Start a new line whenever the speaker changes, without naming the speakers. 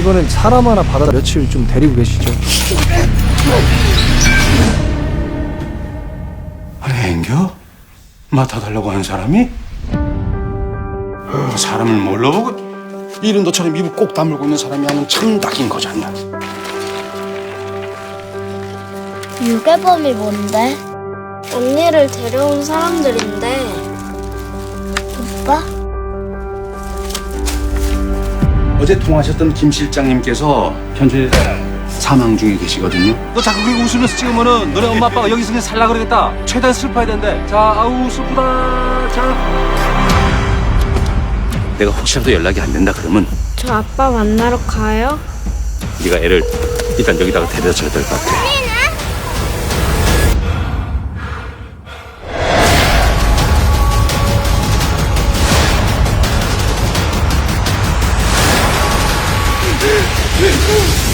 이거는 사람 하나 받아 며칠 좀 데리고 계시죠.
아니 앵겨? 맡아달라고 하는 사람이? 사람을 뭘로 보고 이런 너처럼 입을 꼭 다물고 있는 사람이 하는 참 낙인 거잖아.
유괴범이 뭔데? 언니를 데려온 사람들인데. 오빠?
어제 통화하셨던 김 실장님께서 현재 사망 중에 계시거든요.
너 자꾸 그렇게 웃으면서 찍으면은 너네 엄마 아빠가 여기서 그냥 살라 그러겠다. 최대한 슬퍼야 된대. 자, 아우 슬프다. 자.
내가 혹시라도 연락이 안 된다 그러면
저 아빠 만나러 가요?
네가 애를 일단 여기다가 데려다 줘야 될 것 같아.
응.